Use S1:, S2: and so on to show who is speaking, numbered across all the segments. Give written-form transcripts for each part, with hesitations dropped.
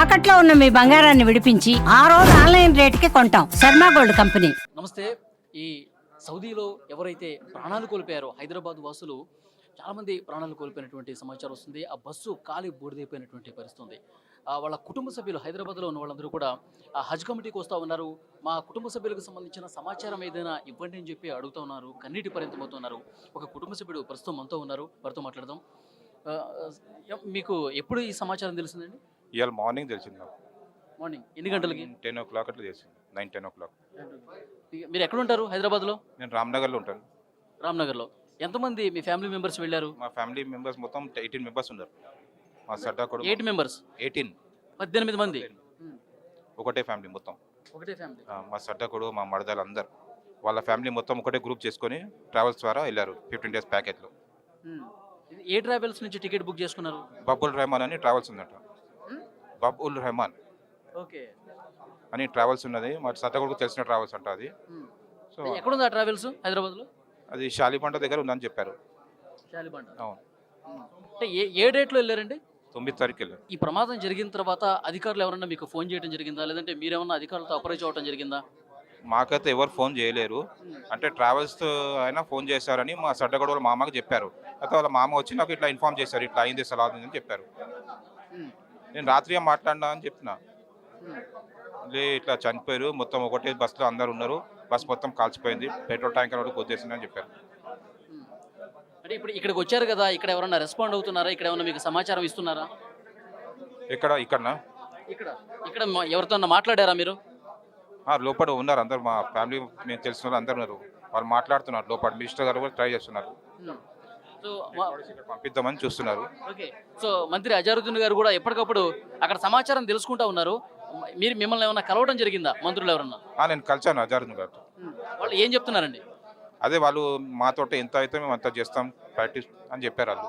S1: తాకట్లో ఉన్న మీ బంగారాన్ని విడిపించి ఆ రోజు ఆన్లైన్ రేటుకి కొంటాం. Sharma gold company.
S2: నమస్తే. ఈ సౌదీలో ఎవరైతే ప్రాణాలు కోల్పోయారో హైదరాబాద్ వాసులు చాలామంది ప్రాణాలు కోల్పోయినటువంటి సమాచారం వస్తుంది. ఆ బస్సు కాలి బూడిదైపోయినటువంటి పరిస్థితి ఉంది. వాళ్ళ కుటుంబ సభ్యులు హైదరాబాద్లో ఉన్న వాళ్ళందరూ కూడా హజ్ కమిటీకి వస్తూ ఉన్నారు. మా కుటుంబ సభ్యులకు సంబంధించిన సమాచారం ఏదైనా ఇవ్వండి అని చెప్పి అడుగుతూ ఉన్నారు. కన్నీటి పరిమితమవుతున్నారు. ఒక కుటుంబ సభ్యుడు ప్రస్తుతం మనతో ఉన్నారు. వారితో మాట్లాడదాం. మీకు ఎప్పుడు ఈ సమాచారం తెలిసిందండి?
S3: ఇవాళ మార్నింగ్ తెలిసింది నాకు.
S2: మార్నింగ్ ఎన్ని గంటలకి?
S3: 10 o'clock అట్లా తెలిసింది. 9-10 o'clock.
S2: మీరు ఎక్కడ ఉంటారు హైదరాబాద్లో?
S3: నేను రామ్నగర్లో ఉంటాను.
S2: రామ్నగర్లో. ఎంతమంది మీ ఫ్యామిలీ మెంబర్స్ వెళ్ళారు?
S3: మా ఫ్యామిలీ మెంబర్స్ మొత్తం 18 మెంబర్స్ ఉన్నారు. మా సడ్డా కూడా
S2: 8 మెంబర్స్. 18 మంది.
S3: ఒకటే ఫ్యామిలీ మొత్తం.
S2: ఒకటే ఫ్యామిలీ.
S3: మా సడ్డా కూడా మా మరదలు అందరు వాళ్ళ ఫ్యామిలీ మొత్తం ఒకటే గ్రూప్ చేసుకొని ట్రావెల్స్ ద్వారా వెళ్ళారు 15 days ప్యాకేజ్లో.
S2: ఏ ట్రావెల్స్ నుంచి టికెట్ బుక్ చేసుకున్నారు?
S3: బబుల్ రెహమాన్ అని ట్రావెల్స్ ఉందట. బబుల్ రెహమాన్
S2: ఓకే
S3: అని ట్రావెల్స్ ఉన్నది. మా సడ్డా కూడా తెలిసిన ట్రావెల్స్ అంట అది. సో
S2: ఎక్కడుంది ఆ ట్రావెల్స్? హైదరాబాద్లో
S3: అది షాలిపంట దగ్గర ఉందని చెప్పారు.
S2: శాలిబంట.
S3: అవును.
S2: అంటే ఏ డేట్లో వెళ్ళారండి?
S3: 9th తారీఖు వెళ్ళారు.
S2: ఈ ప్రమాదం జరిగిన తర్వాత అధికారులు ఎవరన్నా మీకు ఫోన్ చేయడం జరిగిందా, లేదంటే మీరేమన్నా అధికారులతో అప్రోచ్ అవ్వడం జరిగిందా?
S3: మాకైతే ఎవరు ఫోన్ చేయలేరు. అంటే ట్రావెల్స్ అయినా ఫోన్ చేశారని మా సడ్డగడ వాళ్ళ మామకి చెప్పారు. అయితే వాళ్ళ మామ వచ్చి నాకు ఇట్లా ఇన్ఫార్మ్ చేశారు, ఇట్లా అయింది సలా అని చెప్పారు. నేను రాత్రి మాట్లాడినా అని చెప్పిన, లే ఇట్లా చనిపోయారు, మొత్తం ఒకటే బస్సులో అందరు ఉన్నారు, బస్ మొత్తం కాల్చిపోయింది, పెట్రోల్ ట్యాంకర్ కూడా గుద్దేసింది అని చెప్పారు.
S2: అంటే ఇప్పుడు ఇక్కడికి వచ్చారు కదా, ఇక్కడ ఎవరన్నా రెస్పాండ్ అవుతున్నారా? ఇక్కడ ఏమన్నా మీకు సమాచారం ఇస్తున్నారా?
S3: ఇక్కడనా
S2: ఇక్కడ ఇక్కడ ఎవరితో మాట్లాడారా మీరు?
S3: లోపల ఉన్నారు అందరు, మా ఫ్యామిలీ మేము తెలిసిన వాళ్ళు అందరు ఉన్నారు. వాళ్ళు మాట్లాడుతున్నారు లోపల. మినిస్టర్ గారు కూడా ట్రై చేస్తున్నారు,
S2: సో
S3: పంపిద్దామని చూస్తున్నారు.
S2: ఓకే. సో మంత్రి అజారుద్దీన్ గారు కూడా ఎప్పటికప్పుడు అక్కడ సమాచారం తెలుసుకుంటా ఉన్నారు. మిమ్మల్ని ఏమన్నా కలవడం జరిగిందా మంత్రులు ఎవరన్నా?
S3: నేను కలిసాను అజారుద్దీన్ గారితో.
S2: వాళ్ళు ఏం చెప్తున్నారండి?
S3: అదే వాళ్ళు మాతో ఎంత అయితే మేము అంత చేస్తాం ప్రాక్టీస్ అని చెప్పారు వాళ్ళు.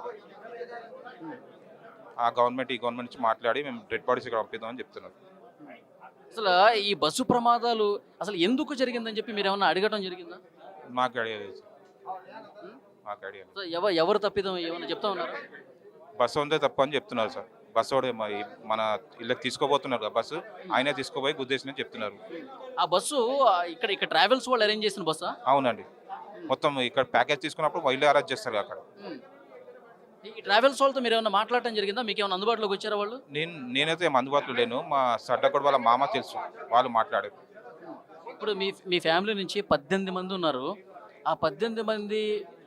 S3: ఆ గవర్నమెంట్ ఈ గవర్నమెంట్ నుంచి మాట్లాడి మేము డెడ్ బాడీస్ ఇక్కడ పంపిద్దామని చెప్తున్నారు.
S2: అసలు ఈ బస్సు ప్రమాదాలు అసలు ఎందుకు జరిగిందని చెప్పి మీరు ఏమన్నా అడగడం జరిగిందా?
S3: మాకు ఐడియా లేదు. మాకు ఐడియా లేదు.
S2: ఎవరు తప్పిదం ఏమన్నా చెప్తా ఉన్నారు?
S3: బస్సు ఉందే తప్ప అని చెప్తున్నారు సార్. బస్సు వాడే మన ఇళ్ళకి తీసుకోబోతున్నారు, బస్సు ఆయనే తీసుకోపోయి గుద్దేసిన చెప్తున్నారు.
S2: ఆ బస్సు ఇక్కడ ట్రావెల్స్ వాళ్ళు అరేంజ్ చేసిన బస్సా?
S3: అవునండి. మొత్తం ఇక్కడ ప్యాకేజ్ తీసుకున్నప్పుడు వీళ్ళే అరేంజ్ చేస్తారు అక్కడ.
S2: ఈ ట్రావెల్స్ వాళ్ళతో మీరు ఏమన్నా మాట్లాడటం జరిగిందా? మీకు ఏమైనా అందుబాటులోకి వచ్చారా వాళ్ళు?
S3: నేనైతే ఏం అందుబాటులో లేను. మా సడ్డగొడ వాళ్ళ మామ తెలుసు, వాళ్ళు మాట్లాడారు.
S2: ఇప్పుడు మీ ఫ్యామిలీ నుంచి 18 మంది ఉన్నారు. ఆ 18 మంది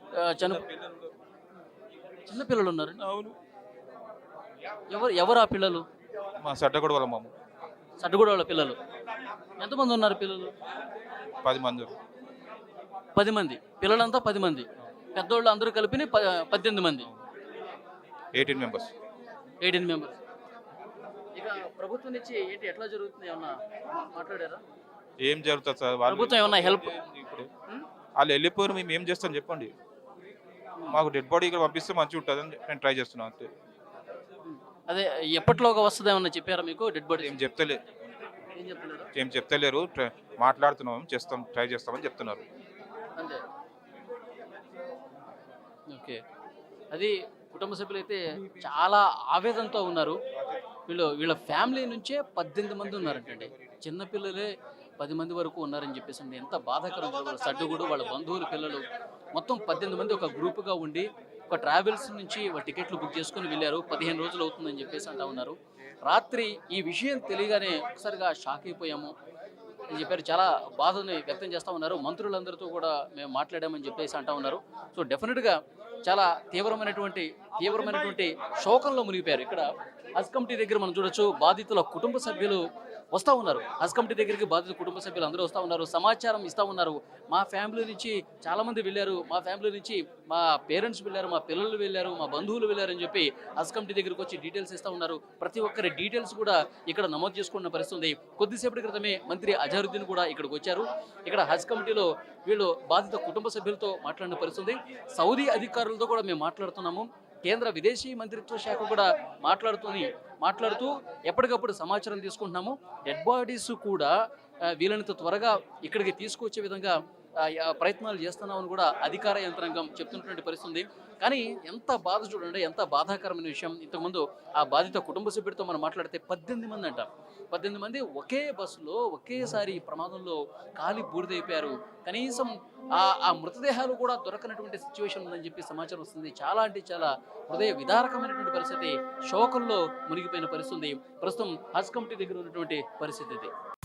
S2: చిన్న పిల్లలు ఉన్నారు.
S3: అవును.
S2: ఎవరు ఆ పిల్లలు?
S3: మా సడ్డగొడ వాళ్ళ మామ.
S2: సడ్డగూడ వాళ్ళ పిల్లలు ఎంతమంది ఉన్నారు? పిల్లలు
S3: 10 మంది.
S2: 10 మంది పిల్లలంతా 10 మంది. పెద్దోళ్ళు అందరూ కలిపి 18 మంది.
S3: 18 మెంబర్స్.
S2: 18 మెంబర్స్. ఇక ప్రభుత్వం నుంచి ఏంటి, ఎట్లా జరుగుతుంది, ఏమన్నా మాట్లాడారా?
S3: ఏం జరుగుతుంది సార్?
S2: ప్రభుత్వం ఏమన్నా హెల్ప్?
S3: ఇప్పుడు వాళ్ళు వెళ్ళిపోయారు, మేము ఏం చేస్తాం చెప్పండి. మాకు డెడ్ బాడీ ఇక్కడ పంపిస్తే మంచిగా ఉంటుంది అని నేను ట్రై చేస్తున్నాను అంతే.
S2: అదే ఎప్పటిలోగా వస్తుంది ఏమన్నా చెప్పారా మీకు? డెడ్ బాడీ
S3: ఏం చెప్తలేరు. మాట్లాడుతున్నాం, చేస్తాం, ట్రై చేస్తామని చెప్తున్నారు
S2: అంతే. ఓకే. అది కుటుంబ సభ్యులు అయితే చాలా ఆవేదనతో ఉన్నారు. వీళ్ళ ఫ్యామిలీ నుంచే 18 మంది ఉన్నారంటండి. చిన్నపిల్లలే 10 మంది వరకు ఉన్నారని చెప్పేసి అండి. ఎంత బాధాకరం. వాళ్ళ సడ్డుగుడు, వాళ్ళ బంధువుల పిల్లలు మొత్తం 18 మంది ఒక గ్రూప్గా ఉండి ఒక ట్రావెల్స్ నుంచి టికెట్లు బుక్ చేసుకుని వెళ్ళారు. 15 రోజులు అవుతుందని చెప్పేసి అంటా ఉన్నారు. రాత్రి ఈ విషయం తెలియగానే ఒకసారిగా షాక్ అయిపోయాము అని చెప్పారు. చాలా బాధని వ్యక్తం చేస్తూ ఉన్నారు. మంత్రులందరితో కూడా మేము మాట్లాడామని చెప్పేసి అంటా ఉన్నారు. సో డెఫినెట్గా చాలా తీవ్రమైనటువంటి శోకంలో మునిగిపోయారు. ఇక్కడ హజ్ కమిటీ దగ్గర మనం చూడొచ్చు, బాధితుల కుటుంబ సభ్యులు వస్తూ ఉన్నారు. హజ్ కమిటీ దగ్గరికి బాధితుల కుటుంబ సభ్యులు అందరూ వస్తూ ఉన్నారు, సమాచారం ఇస్తూ ఉన్నారు. మా ఫ్యామిలీ నుంచి చాలామంది వెళ్ళారు, మా ఫ్యామిలీ నుంచి మా పేరెంట్స్ వెళ్ళారు, మా పిల్లలు వెళ్ళారు, మా బంధువులు వెళ్ళారు అని చెప్పి హజ్ కమిటీ దగ్గరికి వచ్చి డీటెయిల్స్ ఇస్తూ ఉన్నారు. ప్రతి ఒక్కరి డీటెయిల్స్ కూడా ఇక్కడ నమోదు చేసుకున్న పరిస్థితి ఉంది. కొద్దిసేపటి క్రితమే మంత్రి అజారుద్దీన్ కూడా ఇక్కడికి వచ్చారు. ఇక్కడ హజ్ కమిటీలో వీళ్ళు బాధిత కుటుంబ సభ్యులతో మాట్లాడిన పరిస్థితి. సౌదీ అధికారులతో కూడా మేము మాట్లాడుతున్నాము. కేంద్ర విదేశీ మంత్రిత్వ శాఖ కూడా మాట్లాడుతూ ఎప్పటికప్పుడు సమాచారం తీసుకుంటున్నాము. డెడ్ బాడీస్ కూడా వీలైనంత త్వరగా ఇక్కడికి తీసుకొచ్చే విధంగా ప్రయత్నాలు చేస్తున్నామని కూడా అధికార యంత్రాంగం చెప్తున్నటువంటి పరిస్థితి ఉంది. కానీ ఎంత బాధ చూడండి, ఎంత బాధాకరమైన విషయం. ఇంతకుముందు ఆ బాధిత కుటుంబ సభ్యుడితో మనం మాట్లాడితే 18 మంది అంట. 18 మంది ఒకే బస్సులో ఒకేసారి ఈ ప్రమాదంలో కాలి బూడిదైపోయారు. కనీసం ఆ మృతదేహాలు కూడా దొరకనటువంటి సిచ్యువేషన్ ఉందని చెప్పి సమాచారం వస్తుంది. చాలా అంటే చాలా హృదయ విదారకమైనటువంటి పరిస్థితి, శోకంలో మునిగిపోయిన పరిస్థితి ఉంది. ప్రస్తుతం హజ్ కమిటీ దగ్గర ఉన్నటువంటి పరిస్థితి ఇది.